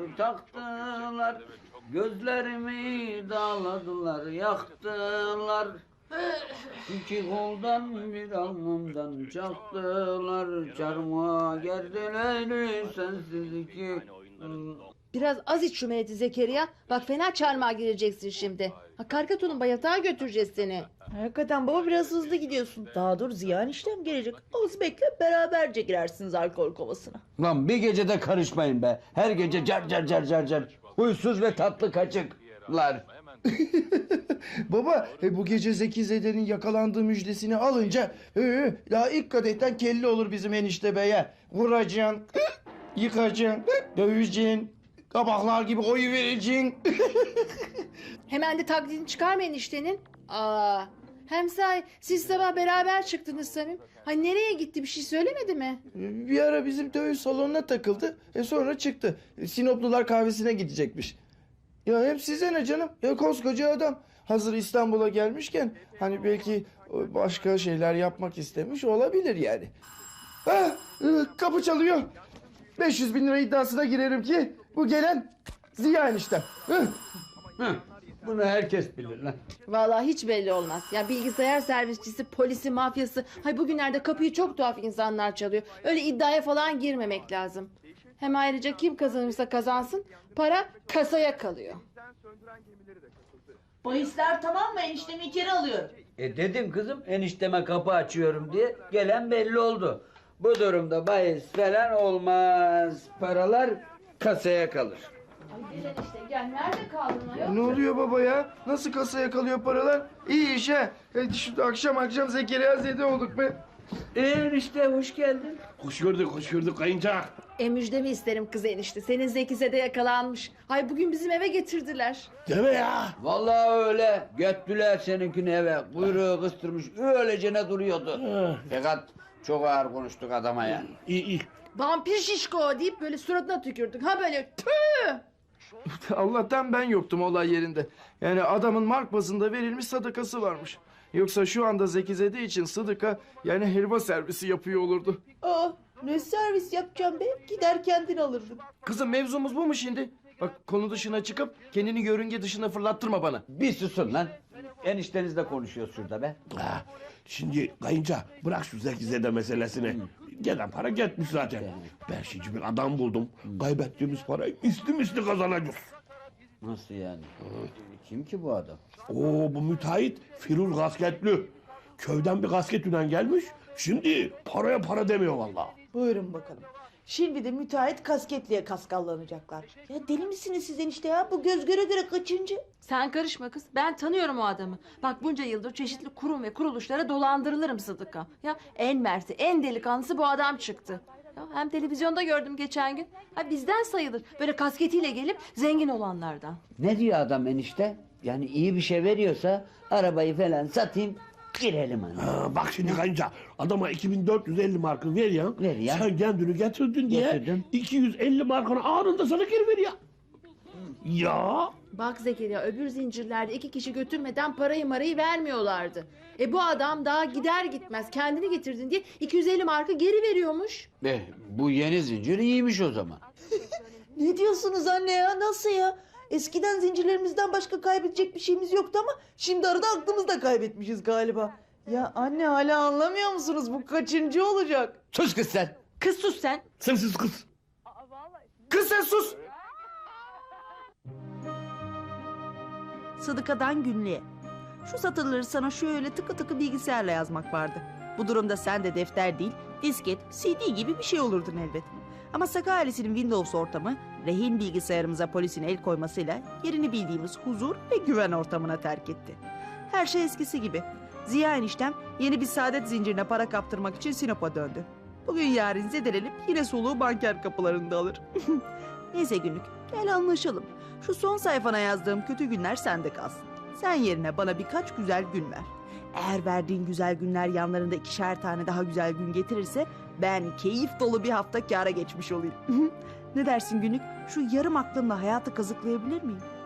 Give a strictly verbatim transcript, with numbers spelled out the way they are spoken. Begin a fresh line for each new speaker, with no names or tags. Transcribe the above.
taktılar. Gözlerimi dağladılar, yaktılar. İki koldan bir alnımdan çaktılar. Çarmıha gerdiler sensiz iki.
Biraz az iç şu meleti Zekeriya. Bak fena çarmıha gireceksin şimdi. Ha, Karkaton'un bayatağa götüreceğiz seni.
Hakikaten baba biraz hızlı gidiyorsun. Daha dur ziyan işlem gelecek. Az bekle beraberce girersiniz alkol kovasına.
Lan bir gecede karışmayın be. Her gece car car car car car. Huysuz ve tatlı kaçıklar.
Baba e, bu gece Zeki Zede'nin yakalandığı müjdesini alınca e, daha ilk kadehten kelli olur bizim enişte beye. Vuracaksın, yıkacaksın, döveceksin, kabaklar gibi oyu vereceksin.
Hemen de taklidini çıkarma eniştenin. Aa, hem sahi siz sabah beraber çıktınız Samim. Ha nereye gitti, bir şey söylemedi mi?
Bir ara bizim dövüş salonuna takıldı. E sonra çıktı. E, Sinoplular kahvesine gidecekmiş. Ya hep size ne canım? Ya koskoca adam. Hazır İstanbul'a gelmişken hani belki e, başka şeyler yapmak istemiş olabilir yani. Ha, e, kapı çalıyor. beş yüz bin lira iddiasına girerim ki bu gelen Ziya eniştem. Hı.
Heh, bunu herkes bilir lan.
Vallahi hiç belli olmaz. Ya bilgisayar servisçisi, polisi, mafyası. Hay bugünlerde kapıyı çok tuhaf insanlar çalıyor. Öyle iddiaya falan girmemek lazım. Hem ayrıca kim kazanırsa kazansın para kasaya kalıyor.
Bahisler tamam mı? Eniştemi içeri alıyorum.
E dedim kızım enişteme kapı açıyorum diye, gelen belli oldu. Bu durumda bahis falan olmaz. Paralar kasaya kalır.
Ay gel işte gel. Nerede kaldın ayol?
Ne oluyor baba ya? Nasıl kasaya kalıyor paralar? İyi iş ha. E, şu akşam akşam Zekeriya Zede olduk be.
E enişte hoş geldin.
Hoş gördük, hoş gördük kayınca.
E müjdemi isterim kız enişte. Senin Zekize'de yakalanmış. Hay bugün bizim eve getirdiler.
Deme ya.
Vallahi öyle. Göttüler seninkini eve. Kuyruğu kıstırmış. Öylece duruyordu. Fakat çok ağır konuştuk adama yani.
İyi iyi.
Vampir şişko deyip böyle suratına tükürdük. Ha böyle tüh.
Allah'tan ben yoktum olay yerinde. Yani adamın mark bazında verilmiş sadakası varmış. Yoksa şu anda Zeki Zede için Sıdıka yani helva servisi yapıyor olurdu.
Aa, ne servis yapacağım be? Gider kendin alırdım.
Kızım mevzumuz bu mu şimdi? Bak konu dışına çıkıp kendini yörünge dışına fırlattırma bana.
Bir susun lan. Eniştenizle konuşuyor şurada be.
Ha, şimdi kayınca bırak şu Zeki Zede meselesini. Gelen para gitmiş zaten. Ben şimdi bir adam buldum. Kaybettiğimiz parayı misli misli kazanacağız.
Nasıl yani? Kim ki bu adam?
Oo, bu müteahhit Firul Gasketli. Köyden bir gasketüden gelmiş. Şimdi paraya para demiyor vallahi.
Buyurun bakalım. Şimdi de müteahhit kasketliye kaskallanacaklar. Ya deli misiniz siz enişte ya? Bu göz göre göre kaçıncı?
Sen karışma kız. Ben tanıyorum o adamı. Bak bunca yıldır çeşitli kurum ve kuruluşlara dolandırılırım Sıdıka. Ya en mersi, en delikanlısı bu adam çıktı. Ya hem televizyonda gördüm geçen gün. Ha bizden sayılır. Böyle kasketiyle gelip zengin olanlardan.
Ne diyor adam enişte? Yani iyi bir şey veriyorsa arabayı falan satayım, girelim hani.
Ha, bak şimdi kayınca adama iki bin dört yüz elli markı ver ya.
Ver ya.
Sen kendini getirdin diye
Getirdim.
iki yüz elli markanı anında sana geri ver ya. Ya.
Bak Zekeriya öbür zincirlerde iki kişi götürmeden parayı marayı vermiyorlardı. E bu adam daha gider gitmez kendini getirdin diye iki yüz elli marka geri veriyormuş.
Eh, bu yeni zincir iyiymiş o zaman.
Ne diyorsunuz anne ya? Nasıl ya? Eskiden zincirlerimizden başka kaybedecek bir şeyimiz yoktu ama şimdi arada aklımızı da kaybetmişiz galiba. Ya anne hala anlamıyor musunuz? Bu kaçıncı olacak?
Sus kız sen.
Kız sus sen.
Sensiz kız.
Kız sen sus!
Sıdıkadan günlüğe. Şu satırları sana şöyle tıkı tıkı bilgisayarla yazmak vardı. Bu durumda sen de defter değil, disket, C D gibi bir şey olurdun elbet. Ama Saka ailesinin Windows ortamı, rehin bilgisayarımıza polisin el koymasıyla yerini bildiğimiz huzur ve güven ortamına terk etti. Her şey eskisi gibi. Ziya eniştem yeni bir saadet zincirine para kaptırmak için Sinop'a döndü. Bugün yarın zedelenip yine soluğu banker kapılarında alır. Neyse günlük, gel anlaşalım. Şu son sayfana yazdığım kötü günler sende kalsın. Sen yerine bana birkaç güzel gün ver. Eğer verdiğin güzel günler yanlarında ikişer tane daha güzel gün getirirse ben keyif dolu bir hafta kâra geçmiş olayım. Ne dersin günlük? Şu yarım aklımla hayatı kazıklayabilir miyim?